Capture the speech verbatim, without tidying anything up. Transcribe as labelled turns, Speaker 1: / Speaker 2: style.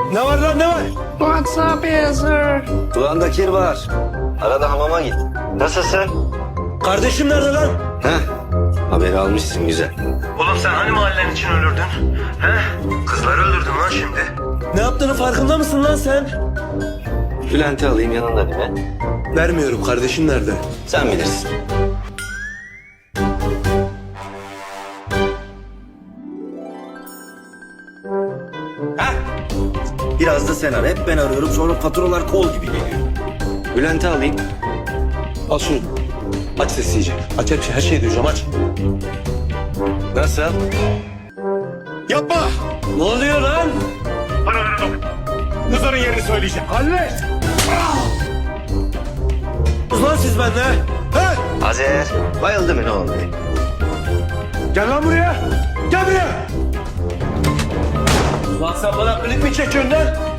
Speaker 1: Ne var lan ne var?
Speaker 2: WhatsApp yazır.
Speaker 3: Kulağında kir var. Arada hamama git. Nasılsın?
Speaker 1: Kardeşim nerede lan?
Speaker 3: Heh. Haberi almışsın güzel.
Speaker 4: Oğlum sen hani mahallen için ölürdün? He? Kızları öldürdün lan şimdi.
Speaker 1: Ne yaptığını farkında mısın lan sen?
Speaker 3: Bülent'i alayım yanında değil mi?
Speaker 1: Vermiyorum, kardeşim nerede?
Speaker 3: Sen bilirsin.
Speaker 5: Heh. Biraz da sen ara. Hep ben arıyorum, sonra faturalar kol gibi geliyor.
Speaker 3: Bülent'i alayım.
Speaker 1: Al şunu. Aç sesi iyice. Aç her şey, her şeyi duyacağım aç.
Speaker 3: Nasıl?
Speaker 5: Yapma!
Speaker 1: Ne oluyor lan?
Speaker 5: Kızların yerini söyleyeceğim.
Speaker 1: Hallet! Ulan siz bende. He?
Speaker 3: Azer. Bayıldı mı ne oldu?
Speaker 1: Gel lan buraya. Gel buraya. Ulan sen bana klip mi çekiyorsun lan?